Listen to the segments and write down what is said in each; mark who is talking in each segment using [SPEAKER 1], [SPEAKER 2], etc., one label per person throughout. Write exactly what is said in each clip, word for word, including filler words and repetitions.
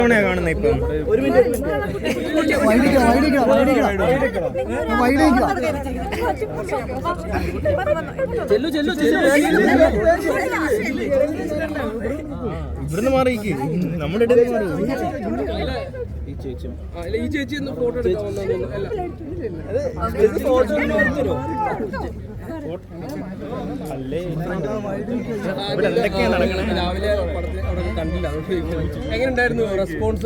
[SPEAKER 1] കാണുന്നത് ഇപ്പം ഇവിടുന്ന് മാറിക്ക് നമ്മുടെ ഇടയിൽ മാറി
[SPEAKER 2] ഈ ചേച്ചി ഫോട്ടോ എടുക്കാൻ രാവിലെ അവിടെ കണ്ടില്ല. എങ്ങനെയുണ്ടായിരുന്നു റെസ്പോൺസ്?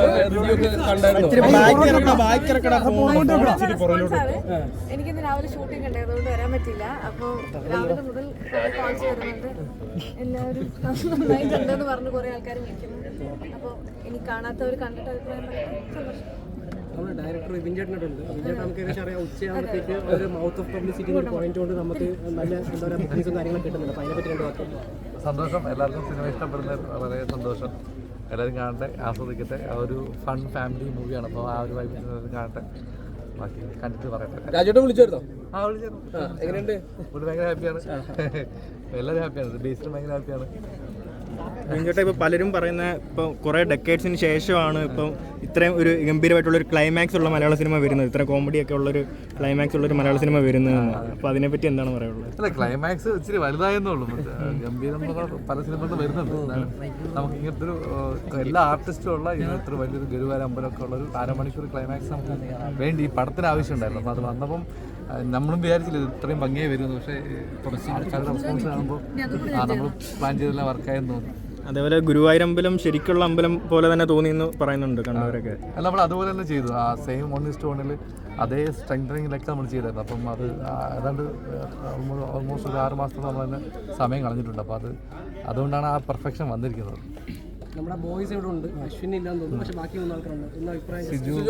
[SPEAKER 3] എനിക്കിന്ന് രാവിലെ ഷൂട്ടിംഗ് ഉണ്ട്, അതുകൊണ്ട് വരാൻ പറ്റില്ല. അപ്പോൾ രാവിലെ മുതൽ കോൾസ് വരുന്നുണ്ട്, എല്ലാവരും നന്നായിട്ടുണ്ടെന്ന് പറഞ്ഞ് കുറെ ആൾക്കാർ വിളിക്കുന്നുണ്ട്. അപ്പോൾ എനിക്ക് കാണാത്തവർ കണ്ടിട്ട് അഭിപ്രായം സന്തോഷം.
[SPEAKER 2] നമ്മുടെ ഡയറക്ടർ വിൻചേട്ടനുണ്ട്. വിൻചേട്ടൻ നമുക്ക് ഏകദേശം അറിയാം, ഉച്ചയാകുമ്പോഴത്തേക്ക് ഒരു മൗത്ത് ഓഫ് പബ്ലിസിറ്റി ഒരു പോയിന്റ് കൊണ്ട് നമുക്ക് നല്ല എന്താ പറയുക ബുക്കിങ്സും കാര്യങ്ങളൊക്കെ കിട്ടുന്നുണ്ട്. അപ്പോൾ അതിനെപ്പറ്റി രണ്ട് വാക്ക്.
[SPEAKER 4] സന്തോഷം, എല്ലാവർക്കും സിനിമ ഇഷ്ടപ്പെടുന്ന വളരെ സന്തോഷം. എല്ലാവരും കാണട്ടെ, ആസ്വദിക്കട്ടെ. ആ ഒരു ഫൺ ഫാമിലി മൂവിയാണ്, അപ്പോൾ ആ ഒരു വൈബ് കാണട്ടെ. ബാക്കി കണ്ടിട്ട് പറയട്ടെ.
[SPEAKER 2] രാജേട്ടൻ വിളിച്ചായിരുന്നോ?
[SPEAKER 4] ആ വിളിച്ചായിരുന്നു.
[SPEAKER 2] എങ്ങനെയുണ്ട്?
[SPEAKER 4] ഇവിടെ ഭയങ്കര ഹാപ്പിയാണ്, എല്ലാവരും ഹാപ്പിയാണ്, ബേസിലും ഭയങ്കര ഹാപ്പിയാണ്.
[SPEAKER 1] ചേട്ടാ ഇപ്പോൾ പലരും പറയുന്ന ഇപ്പോൾ കുറേ ഡെക്കേഡ്സിന് ശേഷമാണ് ഇപ്പം ഇത്രയും ഒരു ഗംഭീരമായിട്ടുള്ളൊരു ക്ലൈമാക്സ് ഉള്ള മലയാള സിനിമ വരുന്നത്, ഇത്ര കോമഡിയൊക്കെ ഉള്ളൊരു ക്ലൈമാക്സ് ഉള്ളൊരു മലയാള സിനിമ വരുന്നതെന്ന്. അപ്പോൾ അതിനെപ്പറ്റി എന്താണ് പറയുള്ളത്?
[SPEAKER 4] അല്ല, ക്ലൈമാക്സ് ഇച്ചിരി വലുതായെന്നുള്ളൂ. ഗംഭീരം പല സിനിമകളും വരുന്നുണ്ട്. നമുക്ക് ഇങ്ങനത്തെ ഒരു എല്ലാ ആർട്ടിസ്റ്റും ഉള്ള ഇങ്ങനത്തെ വലിയൊരു ഗുരുവാര അമ്പലമൊക്കെ ഉള്ള ഒരു അരമണിക്കൂർ ക്ലൈമാക്സ് നമുക്ക് വേണ്ടി ഈ പടത്തിന് ആവശ്യമുണ്ടായിരുന്നു. അപ്പോൾ അത് വന്നപ്പം നമ്മളും വിചാരിച്ചില്ല ഇത്രയും ഭംഗിയായി വരുമെന്ന്. പക്ഷേ കുറച്ച് ആൾക്കാരുടെ റെസ്പോൺസ് കാണുമ്പോൾ ആ നമ്മൾ പ്ലാൻ ചെയ്തെല്ലാം വർക്കായെന്ന് തോന്നുന്നു.
[SPEAKER 1] അതേപോലെ ഗുരുവായൂരമ്പലം ശരിക്കുള്ള അമ്പലം പോലെ തന്നെ തോന്നിയെന്ന് പറയുന്നുണ്ട് കണ്ടവരൊക്കെ.
[SPEAKER 4] അല്ല, നമ്മൾ അതുപോലെ തന്നെ ചെയ്തു. ആ സെയിം വൺ ഇസ്റ്റ് വണ്ണിൽ അതേ സ്ട്രെങ്തനിങ്ങിലൊക്കെ നമ്മൾ ചെയ്തായിരുന്നു. അപ്പം അത് ഏതാണ്ട് ഓൾമോസ്റ്റ് ഒരു ആറ് മാസത്തോളം നമ്മൾ തന്നെ സമയം കളഞ്ഞിട്ടുണ്ട്. അപ്പോൾ അത് അതുകൊണ്ടാണ് ആ പെർഫെക്ഷൻ വന്നിരിക്കുന്നത്.
[SPEAKER 2] നമ്മുടെ ബോയ്സ് ഇവിടെ ഉണ്ട്, അശ്വിൻ ഇല്ലാന്ന് തോന്നുന്നു, പക്ഷേ ബാക്കി മൂന്ന് ആൾക്കാരുണ്ട്. എന്താ അഭിപ്രായം?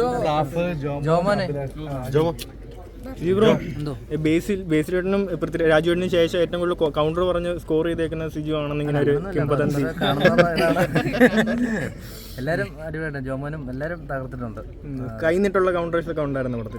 [SPEAKER 1] ബേസിൽ ബേസിലേട്ടനും രാജുവേട്ടനും ശേഷം ഏറ്റവും കൂടുതൽ കൗണ്ടർ പറഞ്ഞ് സ്കോർ ചെയ്തേക്കുന്ന സിജു ആണെന്ന് ഇങ്ങനെ ഒരു കിംവദന്തി.
[SPEAKER 5] എല്ലാവരും അടിപൊളിയായിട്ട് ജോമോനും എല്ലാവരും തകർത്തിട്ടുണ്ട്.
[SPEAKER 1] കൈന്നിട്ടുള്ള കൗണ്ടേഴ്സ് ഒക്കെ ഉണ്ടായിരുന്നു പടത്തിൽ.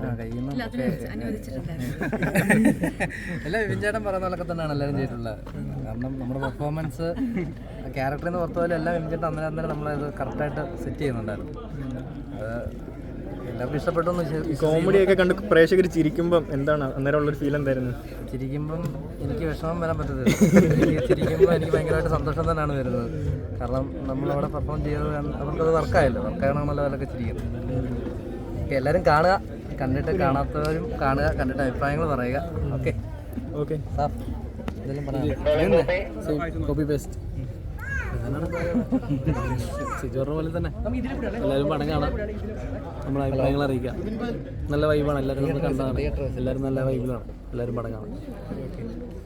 [SPEAKER 5] എല്ലാം വിൻചേട്ടൻ പറയുന്ന പോലൊക്കെ തന്നെയാണ് എല്ലാവരും ചെയ്തിട്ടുള്ളത്. കാരണം നമ്മുടെ പെർഫോമൻസ് ക്യാരക്ടറിൽ നിന്ന് പുറത്തു പോലും എല്ലാം വിൻചേട്ടൻ അന്നേരം അന്നേരം നമ്മളത് കറക്റ്റായിട്ട് സെറ്റ് ചെയ്യുന്നുണ്ടായിരുന്നു. എല്ലാവർക്കും ഇഷ്ടപ്പെട്ടു.
[SPEAKER 1] കോമഡിയൊക്കെ കണ്ട് പ്രേക്ഷകർ ചിരിക്കുമ്പം എന്താണ് അന്നേരം ഉള്ളൊരു ഫീൽ എന്തായിരുന്നു?
[SPEAKER 5] ചിരിക്കുമ്പം എനിക്ക് വിഷമം വരാൻ പറ്റത്തില്ല. എനിക്ക് ചിരിക്കുമ്പോൾ എനിക്ക് ഭയങ്കരമായിട്ട് സന്തോഷം തന്നെയാണ് വരുന്നത്. കാരണം നമ്മളവിടെ പെർഫോം ചെയ്തത് അവർക്കത് വർക്കായല്ലോ, വർക്കായണമല്ലോ അവരൊക്കെ ചിരിക്കുന്നത്. ഓക്കെ, എല്ലാവരും കാണുക, കണ്ടിട്ട് കാണാത്തവരും കാണുക, കണ്ടിട്ട് അഭിപ്രായങ്ങൾ പറയുക. ഓക്കെ
[SPEAKER 1] ഓക്കെ
[SPEAKER 5] സാർ ഇതെല്ലാം പറയാം. കോപ്പി പേസ്റ്റ് സിജോറിനെ പോലെ തന്നെ എല്ലാവരും പടം കാണാം, നമ്മുടെ അഭിപ്രായങ്ങൾ അറിയിക്കാം. നല്ല വൈബാണ്, എല്ലാവരും നമ്മൾ കണ്ടതാണ്. എല്ലാവരും നല്ല വൈബിലാണ്, എല്ലാവരും പടം കാണാം.